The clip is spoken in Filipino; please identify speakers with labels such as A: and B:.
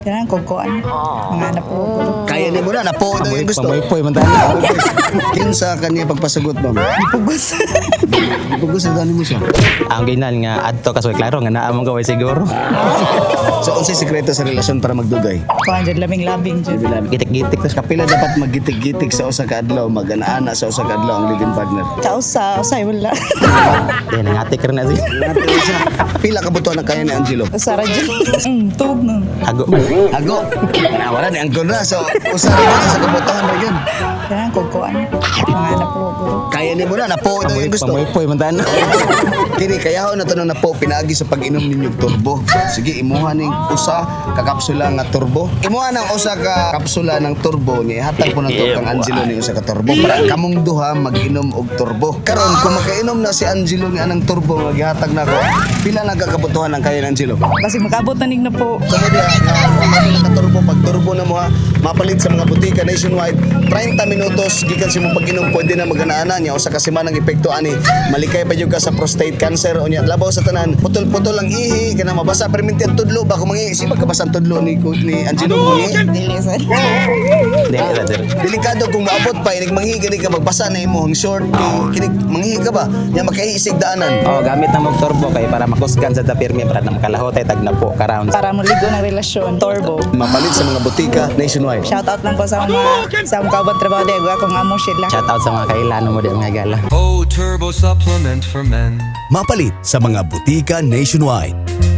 A: Kailangan kukuan. Mga anak po.
B: Kaya ni mo na, napo daw yung gusto.
C: Pamoy-poy, mantala.
B: Kinsa kanya pagpasagot, ma'am?
A: Pugos.
B: Ipugos na mo siya.
C: Ang ginan nga adto kasoy klaro nga naa mong gaway siguro.
B: So, unsay sekreto sa relasyon para magdugay?
A: Kuan dyan, labing-labing dyan.
C: Gitik-gitik tas
B: Kapila dapat maggitik-gitik sa usa ka adlaw, mag-ana sa usa ka adlaw ang living partner.
A: Kausa, usay wala.
C: Yan nangatik rin na siya.
B: Pila ka butuan ang kaya ni Angelo?
A: Usara dyan. Tug na.
C: Ago man.
B: Ago. Wala ni Angelo na. So, usa na sa kabutuhan ra yun.
A: Kailangan kukuan. Mga anak po.
B: Kaya ni mo na, napo daw yung gusto.
C: Pamoy-poy, mantala.
B: Kini kaya ho na to na po pinaagi sa pag-inom ninyong turbo. Sige, imuha ning usa ka kapsula nga turbo. Imuha nang usa ka kapsula ng turbo ni hatag po na to kang Angelo ni usa ka turbo para kamong duha mag-inom og turbo. Karon kung makainom na si Angelo ni anang turbo nga gihatag nako, pila na kakabutuhan ang kaya ni Angelo?
A: Kasi makabot na ning na po.
B: Kamo dia nga turbo pag turbo na mo ha, mapalit sa mga butika nationwide 30 minutos gikan sa imong pag-inom pwede na mag-ana niya usa ka semanang epekto ani malikay pa jud ka sa prostate cancer o niya labaw sa tanan putol-putol ang ihi kana mabasa perminti ang tudlo ba kung mangi si magkabasa ang tudlo ni Angelo mangi
A: Dili sa.
C: Dili ra sir.
B: delikado kung maabot pa inig mangi gani ka magbasa na imong short kinig mangi ka ba nya makaisig daanan.
C: Oh, gamit na mong turbo kay para makusgan sa tapirmi para na makalahotay tag na po ka-round.
A: Para muligo ng relasyon. Turbo.
B: Mapalit sa mga butika nationwide.
A: Shoutout lang po sa mga kabang trabaho de akong amo sila.
C: Shout out sa mga kailano mo di mga gala.
D: Oh, turbo supplement for men.
E: Mapalit sa mga butika nationwide.